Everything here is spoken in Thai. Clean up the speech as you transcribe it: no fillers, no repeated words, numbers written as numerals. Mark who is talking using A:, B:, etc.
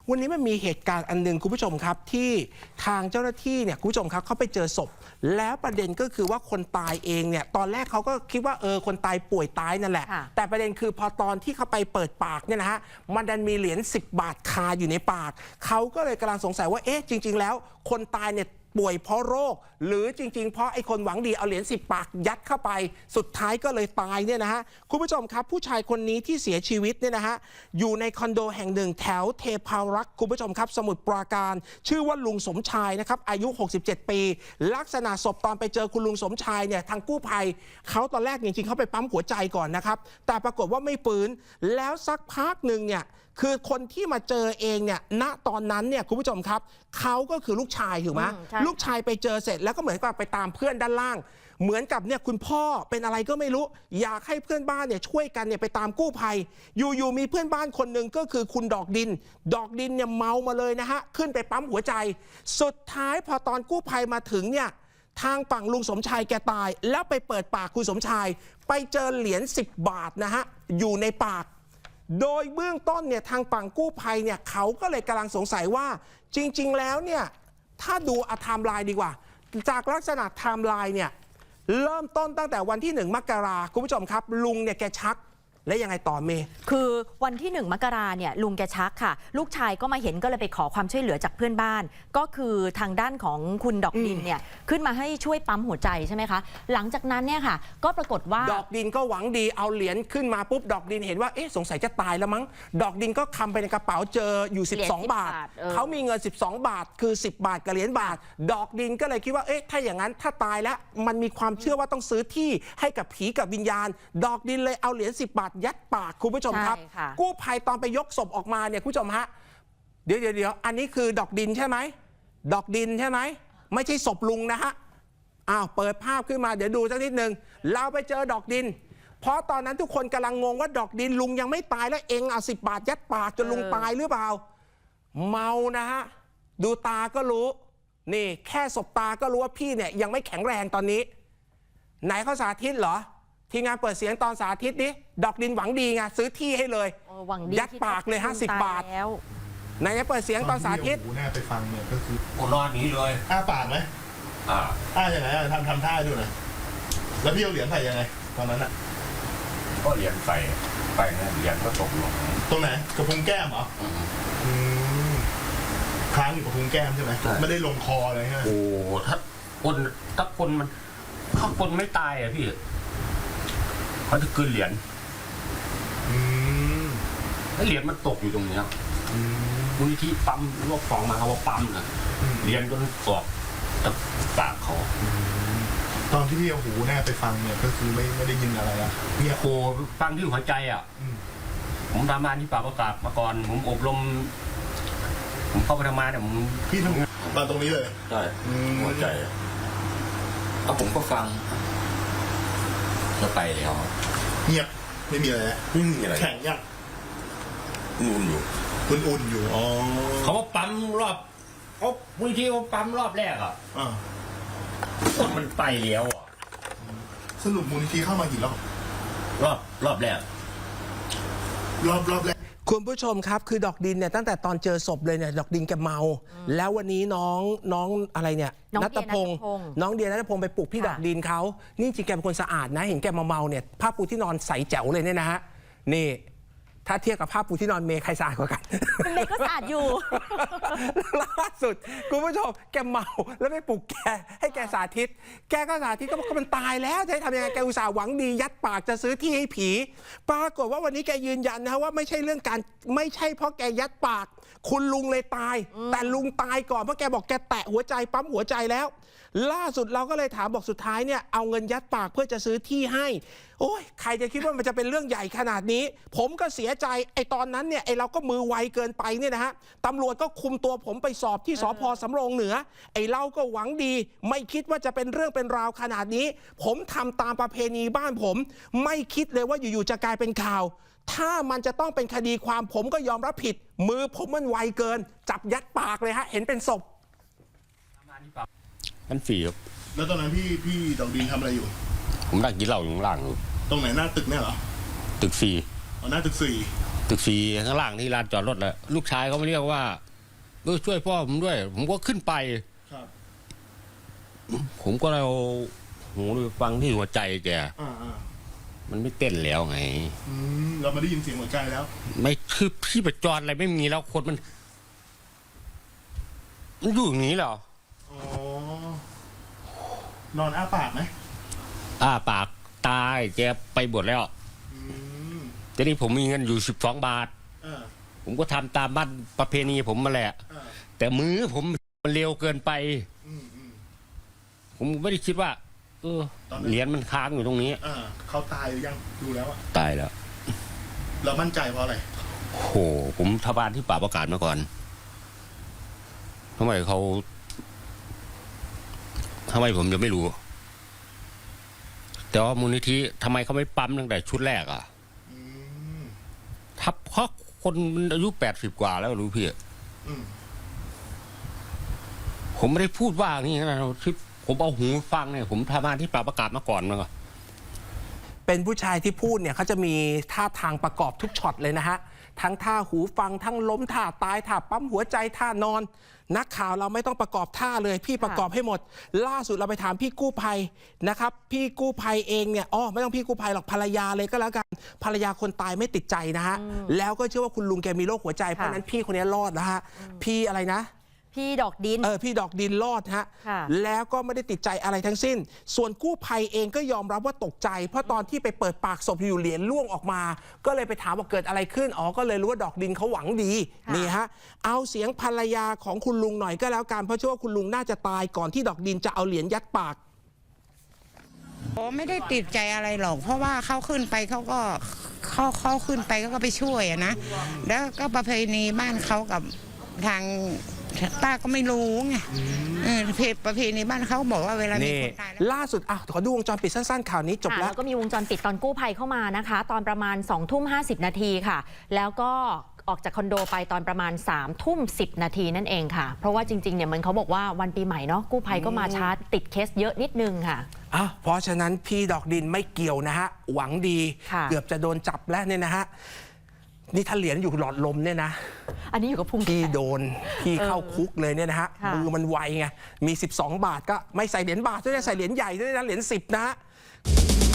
A: วันนี้มันมีเหตุการณ์อันหนึ่งคุณผู้ชมครับที่ทางเจ้าหน้าที่เนี่ยคุณผู้ชมครับเขาไปเจอศพแล้วประเด็นก็คือว่าคนตายเองเนี่ยตอนแรกเขาก็คิดว่าคนตายป่วยตายนั่นแหละแต่ประเด็นคือพอตอนที่เขาไปเปิดปากเนี่ยนะฮะมันดันมีเหรียญ10 บาทคาอยู่ในปากเขาก็เลยกำลังสงสัยว่าจริงๆแล้วคนตายเนี่ยป่วยเพราะโรคหรือจริงๆเพราะไอ้คนหวังดีเอาเหรียญ10 บาทยัดเข้าไปสุดท้ายก็เลยตายเนี่ยนะฮะคุณผู้ชมครับผู้ชายคนนี้ที่เสียชีวิตเนี่ยนะฮะอยู่ในคอนโดแห่งหนึ่งแถวเทพารักษ์คุณผู้ชมครับสมุทรปราการชื่อว่าลุงสมชายนะครับอายุ67 ปีลักษณะศพตอนไปเจอคุณลุงสมชายเนี่ยทางกู้ภัยเขาตอนแรกจริงๆเขาไปปั๊มหัวใจก่อนนะครับแต่ปรากฏว่าไม่ฟื้นแล้วสักพักหนึ่งเนี่ยคือคนที่มาเจอเองเนี่ยณตอนนั้นเนี่ยคุณผู้ชมครับเขาก็คือลูกชายถูกไหมลูกชายไปเจอเสร็จแล้วก็เหมือนกับไปตามเพื่อนด้านล่างเหมือนกับเนี่ยคุณพ่อเป็นอะไรก็ไม่รู้อยากให้เพื่อนบ้านเนี่ยช่วยกันเนี่ยไปตามกู้ภัยอยู่มีเพื่อนบ้านคนหนึ่งก็คือคุณดอกดินเนี่ยเมามาเลยนะฮะขึ้นไปปั๊มหัวใจสุดท้ายพอตอนกู้ภัยมาถึงเนี่ยทางฝั่งลุงสมชายแกตายแล้วไปเปิดปากคุณสมชายไปเจอเหรียญ10 บาทนะฮะอยู่ในปากโดยเบื้องต้นเนี่ยทางฝั่งกู้ภัยเนี่ยเขาก็เลยกำลังสงสัยว่าจริงๆแล้วเนี่ยถ้าดูไทม์ไลน์ดีกว่าจากลักษณะไทม์ไลน์เนี่ยเริ่มต้นตั้งแต่วันที่1 มกราคมคุณผู้ชมครับลุงเนี่ยแกชักและยังไงต่อเมย์
B: คือวันที่1 มกราเนี่ยลุงแกชักค่ะลูกชายก็มาเห็นก็เลยไปขอความช่วยเหลือจากเพื่อนบ้านก็คือทางด้านของคุณดอกดินเนี่ยขึ้นมาให้ช่วยปั๊มหัวใจใช่ไหมคะหลังจากนั้นเนี่ยค่ะก็ปรากฏว่า
A: ดอกดินก็หวังดีเอาเหรียญขึ้นมาปุ๊บดอกดินเห็นว่าสงสัยจะตายแล้วมั้งดอกดินก็คำไปในกระเป๋าเจออยู่12 บาทเขามีเงิน12 บาทคือ10 บาทกับเหรียญบาทดอกดินก็เลยคิดว่าถ้าอย่างนั้นถ้าตายแล้วมันมีความเชื่อว่าต้องซื้อที่ให้กับผีกับวิญญาณดอกดินเลยเอาเหรียญ10 บาทยัดปากคุณผู้ชมครับกู้ภัยตอนไปยกศพออกมาเนี่ยคุณผู้ชมฮะเดี๋ยวอันนี้คือดอกดินใช่ไหมดอกดินใช่ไหมไม่ใช่ศพลุงนะฮะเปิดภาพขึ้นมาเดี๋ยวดูสักนิดนึงเราไปเจอดอกดินเพราะตอนนั้นทุกคนกำลังงงว่าดอกดินลุงยังไม่ตายแล้วเอา10 บาทยัดปากจนลุงตายหรือเปล่าเมานะฮะดูตาก็รู้นี่แค่สบตาก็รู้ว่าพี่เนี่ยยังไม่แข็งแรงตอนนี้ไหนเขาสาธิตเหรอทีมงานเปิดเสียงตอนสาธิตดิดอกดินหวังดีไงซื้อที่ให้เลยยัดปากเลย50 บาทไหนเปิดเสียงตอนสาธิต
C: แน่ไปฟังเนี่ยก็คือ
D: ผมนอนนี้เลย
C: ปากไหมยังไงทำท่าดูหน่อยแล้วพี่เอาเหรียญใส่ยังไงตอนนั้น
D: ก็เหรียญใส่ไปนะเหรียญก็ตกลง
C: ตรงไหนกระพุ้งแก้มเหรอค้างอยู่กระพุ้งแก้มใช่ไหมไม่ได้ลงคอเลยใช่ไหม
D: โอ้ถ้าคนไม่ตายอ่ะพี่เขาจะคืนเหรียญแล้วเหรียญมันตกอยู่ตรงนี้มูลนิธิปั๊มรวบของมาเขาว่าปั๊มนะเหรียญจนออกจากปากเขา
C: ตอนที่พี่เอาหูแน่ไปฟังเนี่ยก็คือไม่ได้ยินอะไรอะ
D: เนี่ยโคฟังที่หัวใจอ่ะผมทำงานที่ปากประกาศมาก่อนผมอบรมผมเข้าไปทำงานเนี่ย
C: พี่ทำงานตอนตรงนี้เลย
D: ใช่หัวใจแล้วผมก็ฟังแล้วไปแล้ว
C: เงียบไม่มีอะไร
D: ไม่มีอะไร
C: แข็งยัง
D: อุ่นอยู่
C: อ๋อ
D: เขาว่าปั๊มรอบบางทีเขาปั๊มรอบแรกอ่ะมันไปแล้วอ่ะ
C: สรุปมูลนิธิเข้ามากี่
D: รอบแรก
A: คุณผู้ชมครับคือดอกดินเนี่ยตั้งแต่ตอนเจอศพเลยเนี่ยดอกดินแกเมาแล้ววันนี้น้องอะไรเนี่ยณัฐพงศ์น้องเดียณัฐพงศ์ไปปลุกพี่ดอกดินเขานี่จริงแกเป็นคนสะอาดนะเห็นแกเมาเนี่ยผ้าปูที่นอนใสแจ๋วเลยเนี่ยนะฮะนี่ถ้าเทียบกับผ้าปูที่นอนเมย์ใครสะอาดกว่ากัน
B: เมย์ก็สะอาดอยู่
A: ล่าสุดคุณผู้ชมแกเมาแล้วไม่ปลุกแกให้แกสาธิตแกก็สาธิตก็บอกมันตายแล้วจะให้ทำยังไงแกอุตส่าห์หวังดียัดปากจะซื้อที่ให้ผีปรากฏว่าวันนี้แกยืนยันนะว่าไม่ใช่เรื่องการไม่ใช่เพราะแกยัดปากคุณลุงเลยตายแต่ลุงตายก่อนเพราะแกบอกแกแตะหัวใจปั๊มหัวใจแล้วล่าสุดเราก็เลยถามบอกสุดท้ายเนี่ยเอาเงินยัดปากเพื่อจะซื้อที่ให้โอ้ยใครจะคิดว่ามันจะเป็นเรื่องใหญ่ขนาดนี้ผมก็เสียใจตอนนั้นเนี่ยเราก็มือไวเกินไปเนี่ยนะฮะตำรวจก็คุมตัวผมไปสอบที่สภ.สำโรงเหนือเราก็หวังดีไม่คิดว่าจะเป็นเรื่องเป็นราวขนาดนี้ผมทำตามประเพณีบ้านผมไม่คิดเลยว่าอยู่ๆจะกลายเป็นข่าวถ้ามันจะต้องเป็นคดีความผมก็ยอมรับผิดมือผมมันไวเกินจับยัดปากเลยฮะเห็นเป็นศพ
D: มันฝีครับ
C: แล้วตอนนั้นพี่ดอกดินทำอะไรอยู่
D: ผมนั่งกินเหล้าอยู่ข้างล่าง
C: ตรงไหนหน้าตึกเนี่ยเหรอ
D: ตึก4
C: หน้าตึก4
D: ตึกสี่ข้างล่างที่ลานจอดรถแหละลูกชายเขามาเรียกว่าช่วยพ่อผมด้วย ผมก็ขึ้นไป
C: ครับ
D: ผมก็เอาหูไปฟังที่หัวใจแก
C: อ่า
D: มันไม่เต้นแล้วไง
C: เรามาได้ยินเสียงหัวใจแล้ว
D: ไม่คือพี่ประจรอะไรไม่มีแล้วคนมันอยู่อย่างนี้เหรอ
C: อ๋อ นอนอ้าปากไหม
D: ปากตายแกไปบวชแล้ว
C: อืม
D: ทีนี้ผมมีเงินอยู่12 บาท
C: อ่า
D: ผมก็ทำตามบ้านประเพณีผมมาแหละ
C: อ่า
D: แต่มือผมมันเร็วเกินไป
C: อืม
D: ผมไม่ได้คิดว่า
C: ตอนนั้น
D: เหรียญมันค้างอยู่ตรงนี้
C: เขาตายหรือยังดูแล้วอะ
D: ตายแล้ว
C: เรามั่นใจเพราะอะไร
D: โอ้โหผมทบานที่ป่าประกาศมาก่อนทำไมผมจะไม่รู้ แต่ว่ามูลนิธิทำไมเขาไม่ปั๊มตั้งแต่ชุดแรกอ่ะ
C: อืม
D: ทับเพราะคนมันอายุ80 กว่าแล้วรู้พี่
C: อืม
D: ผมไม่ได้พูดว่านี่นะที่ผมเอาหูฟังเนี่ยผมทำงานที่ป่าประกาศมาก่อนมาก่อน
A: เป็นผู้ชายที่พูดเนี่ยเขาจะมีท่าทางประกอบทุกช็อตเลยนะฮะ ทั้งท่าหูฟังทั้งล้มท่าตายท่าปั๊มหัวใจท่านอน นักข่าวเราไม่ต้องประกอบท่าเลยพี่ประกอบให้หมด ล่าสุดเราไปถามพี่กู้ภัยนะครับพี่กู้ภัยเองเนี่ยไม่ต้องพี่กู้ภัยหรอกภรรยาเลยก็แล้วกันภรรยาคนตายไม่ติดใจนะฮะแล้วก็เชื่อว่าคุณลุงแกมีโรคหัวใจเพราะฉะนั้นพี่คนนี้รอดนะฮะพี่อะไรนะ
B: พี่ดอกดิน
A: พี่ดอกดินรอดฮะ
B: ค่ะ
A: แล้วก็ไม่ได้ติดใจอะไรทั้งสิ้น ส่วนกู้ภัยเองก็ยอมรับว่าตกใจ เพราะตอนที่ไปเปิดปากศพอยู่เหรียญล่วงออกมา ก็เลยไปถามว่าเกิดอะไรขึ้นก็เลยรู้ว่าดอกดินเขาหวังดีนี่ฮะเอาเสียงภรรยาของคุณลุงหน่อยก็แล้วกันเพราะเชื่อว่าคุณลุงน่าจะตายก่อนที่ดอกดินจะเอาเหรียญยัดปาก
E: ไม่ได้ติดใจอะไรหรอกเพราะว่าเขาขึ้นไปเขาก็เขาขึ้นไปก็ไปช่วยอะนะแล้วก็ประเพณีบ้านเขากับทางป้าก็ไม่รู้ไงประเพณีบ้านเขาบอกว่าเวลามีคนตายแล้ว
A: ล่าสุดขอดูวงจรปิดสั้นๆข่าวนี้จบแล้ว
B: ก็มีวงจรปิดตอนกู้ภัยเข้ามานะคะ ตอนประมาณ20:50 นาทีค่ะ แล้วก็ออกจากคอนโดไปตอนประมาณ21:10 นาทีนั่นเองค่ะ เพราะว่าจริงๆเนี่ยมันเขาบอกว่าวันปีใหม่เนาะกู้ภัยก็มาช้าติดเคสเยอะนิดนึงค่ะ
A: เพราะฉะนั้นพี่ดอกดินไม่เกี่ยวนะฮะหวังดี
B: ค่ะ
A: เกือบจะโดนจับแล้วเนี่ยนะฮะนี่ถ้าเหรียญอยู่หลอดลมเนี่ยนะ
B: อันนี้อยู่กับพุง
A: พี่โดนพี่เข้าคุกเลยเนี่ยนะฮะ
B: ค่ะ
A: มือมันไวไงมี12 บาทก็ไม่ใส่เหรียญบาทด้วยนะใส่เหรียญใหญ่ด้วยนะเหรียญ10นะฮะ